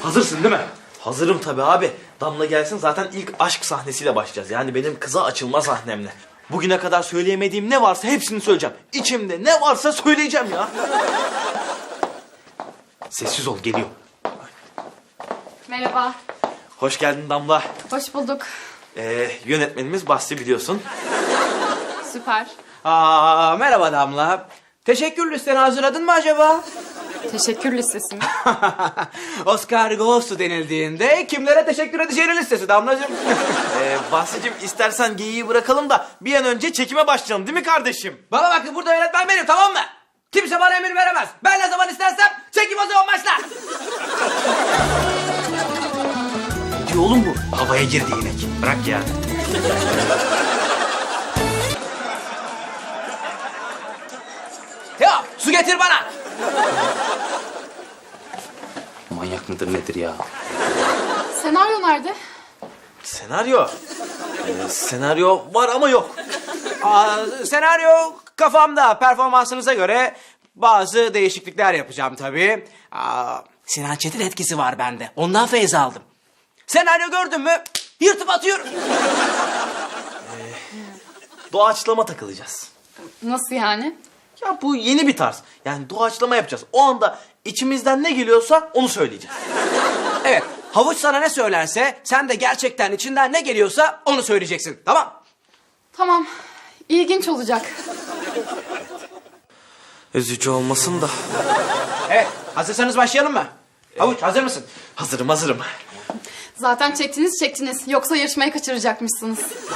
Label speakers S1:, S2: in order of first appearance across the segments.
S1: Hazırsın değil mi?
S2: Hazırım tabii abi. Damla gelsin zaten ilk aşk sahnesiyle başlayacağız. Yani benim kıza açılma sahnemle. Bugüne kadar söyleyemediğim ne varsa hepsini söyleyeceğim. İçimde ne varsa söyleyeceğim ya. Sessiz ol, geliyor.
S3: Merhaba.
S2: Hoş geldin Damla.
S3: Hoş bulduk.
S2: Yönetmenimiz Basri biliyorsun.
S3: Süper.
S1: Merhaba Damla. Teşekkür listeni hazırladın mı acaba?
S3: Teşekkür listesi mi?
S1: Oscar Ghost'u denildiğinde kimlere teşekkür edeceğinin listesi Damlacığım.
S2: Basri'cim istersen geyiği bırakalım da bir an önce çekime başlayalım değil mi kardeşim?
S1: Bana bakın, burada yönetmen benim, tamam mı? Kimse bana emir veremez. Ben ne zaman istersem çekim o zaman başlar.
S2: Ne diyor oğlum bu? Havaya girdi inek. Bırak ya.
S1: Teo, su getir bana.
S4: Manyak mıdır nedir ya?
S3: Senaryo nerede?
S2: Senaryo. Senaryo var ama yok.
S1: Senaryo kafamda. Performansınıza göre bazı değişiklikler yapacağım tabii. Sinan Çetin etkisi var bende. Ondan feyz aldım. Senaryo gördün mü yırtıp atıyorum.
S2: Doğaçlama takılacağız.
S3: Nasıl yani?
S2: Ya bu yeni bir tarz. Yani doğaçlama yapacağız. O anda içimizden ne geliyorsa onu söyleyeceğiz.
S1: Evet, Havuç sana ne söylerse sen de gerçekten içinden ne geliyorsa onu söyleyeceksin. Tamam?
S3: Tamam. İlginç olacak.
S2: Üzücü olmasın da.
S1: Evet, hazırsanız başlayalım mı? Havuç hazır mısın?
S2: Hazırım.
S3: Zaten çektiniz. Yoksa yarışmayı kaçıracakmışsınız.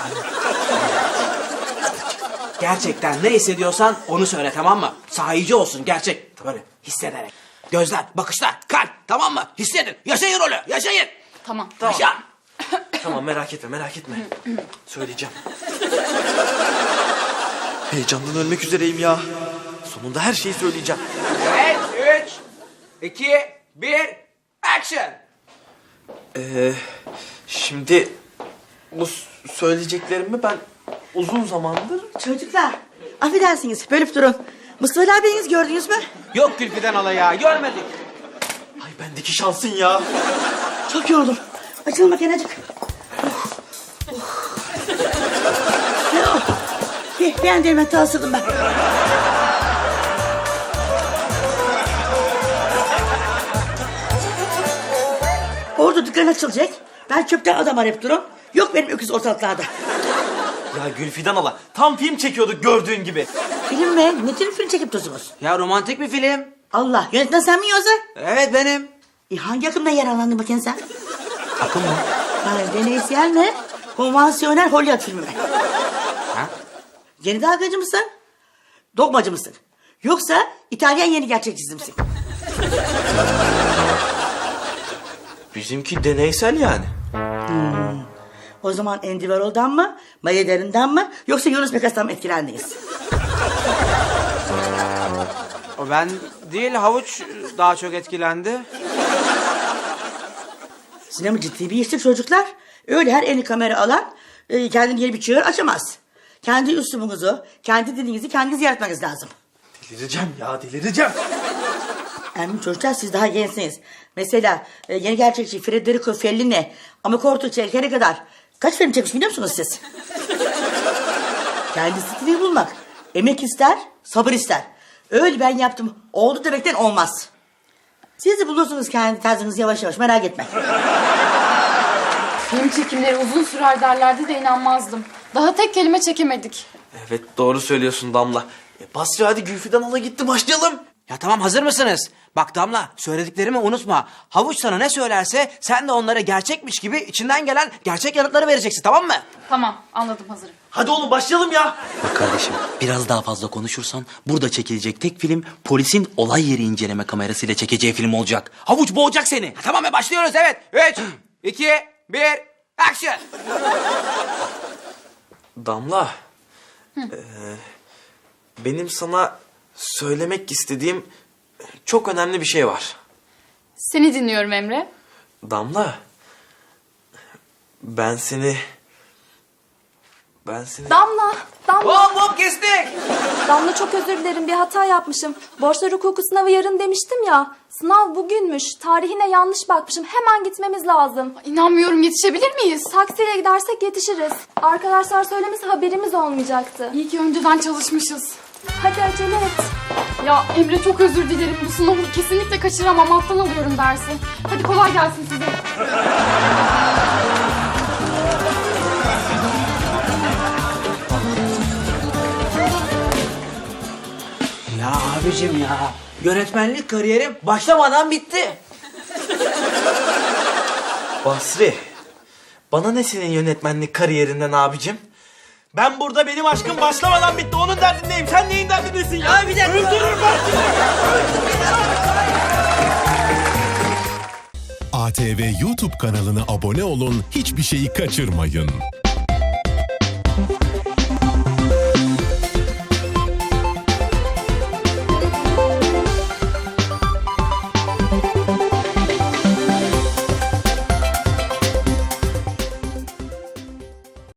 S1: Gerçekten ne hissediyorsan onu söyle, tamam mı? Sahici olsun, gerçek. Böyle hissederek. Gözler, bakışlar, kalp, tamam mı? Hissedin, yaşayın rolü, yaşayın.
S3: Tamam.
S1: Yaşa.
S2: Tamam merak etme. Söyleyeceğim. Heyecandan ölmek üzereyim ya. Sonunda her şeyi söyleyeceğim.
S1: Evet, 3, 2, 1, action.
S2: Şimdi bu söyleyeceklerimi ben uzun zamandır...
S5: Çocuklar, affedersiniz, bölüp durun. Mustafa abiniz gördünüz mü?
S1: Yok Gülfiden hala ya, görmedik.
S2: Ay bendeki şansın ya.
S5: Çok yoruldum. Açılın makinacık. Ben de hemen tasırdım ben. Orada dükkan açılacak. Ben çöpten adam arayıp durun. Yok benim öküz ortalıklarda.
S2: Ya Gülfidan hala tam film çekiyorduk gördüğün gibi.
S5: Film mi? Ne tür film çekip dursunuz?
S1: Ya romantik bir film.
S5: Allah, yönetmen sen mi yoksa?
S1: Evet benim.
S5: Hangi akımda yararlandın bakayım sen?
S1: Akım mı?
S5: Yani deneysel mi? Konvansiyonel Hollywood filmi mi?
S1: Ha?
S5: Yeni dalgacı mısın? Dogmacı mısın? Yoksa İtalyan yeni gerçekçisi misin?
S2: Bizimki deneysel yani.
S5: O zaman Andy Warhol'dan mı, Maya Derin'den mı, yoksa Yunus Bekas'tan mı etkilendiniz?
S1: O ben değil, Havuç daha çok etkilendi.
S5: Sinema ciddi bir iştir çocuklar. Öyle her elini kamera alan kendini yeni bir çığır açamaz. Kendi üslubunuzu, kendi dilinizi kendiniz yaratmanız lazım.
S2: Delireceğim.
S5: Yani çocuklar siz daha gençsiniz. Mesela yeni gerçekçi Federico Fellini, Amakorto çekene kadar kaç film çekmiş biliyor musunuz siz? Kendi stilini bulmak emek ister, sabır ister. Öyle ben yaptım, oldu demekten olmaz. Siz de bulursunuz kendi tarzınızı yavaş yavaş, merak etme.
S3: Film çekimleri uzun sürer derlerdi de inanmazdım. Daha tek kelime çekemedik.
S2: Evet doğru söylüyorsun Damla. Basri hadi Gülfidan hala gitti başlayalım.
S1: Ya tamam, hazır mısınız? Bak Damla, söylediklerimi unutma. Havuç sana ne söylerse sen de onlara gerçekmiş gibi içinden gelen gerçek yanıtları vereceksin, tamam mı?
S3: Tamam, anladım, hazırım.
S2: Hadi oğlum başlayalım ya.
S4: Bak kardeşim, biraz daha fazla konuşursan burada çekilecek tek film polisin olay yeri inceleme kamerasıyla çekeceği film olacak.
S1: Havuç boğacak seni. Tamam, başlıyoruz, evet. 3, 2, 1, action.
S2: Damla. Benim sana söylemek istediğim çok önemli bir şey var.
S3: Seni dinliyorum Emre.
S2: Damla. Ben seni Ben seni...
S6: Damla, Damla,
S1: Hop hop kestik.
S6: Damla çok özür dilerim bir hata yapmışım. Borçlar hukuku sınavı yarın demiştim ya. Sınav bugünmüş. Tarihine yanlış bakmışım. Hemen gitmemiz lazım.
S3: İnanmıyorum, yetişebilir miyiz?
S6: Taksiyle gidersek yetişiriz. Arkadaşlar söylemesi haberimiz olmayacak.
S3: İyi ki önceden çalışmışız.
S6: Hadi acele et.
S3: Ya Emre, çok özür dilerim. Bu sınavı kesinlikle kaçıramam. Alttan alıyorum dersi. Hadi kolay gelsin size.
S1: Ya abicim ya. Yönetmenlik kariyerim başlamadan bitti.
S2: Basri, bana ne senin yönetmenlik kariyerinden abicim? Ben burada benim aşkım başlamadan bitti. Onun derdindeyim. Sen neyin derdindesin ya?
S1: bir dakika.
S2: Öldürürüm ben seni.
S7: ATV YouTube kanalına abone olun, hiçbir şeyi kaçırmayın.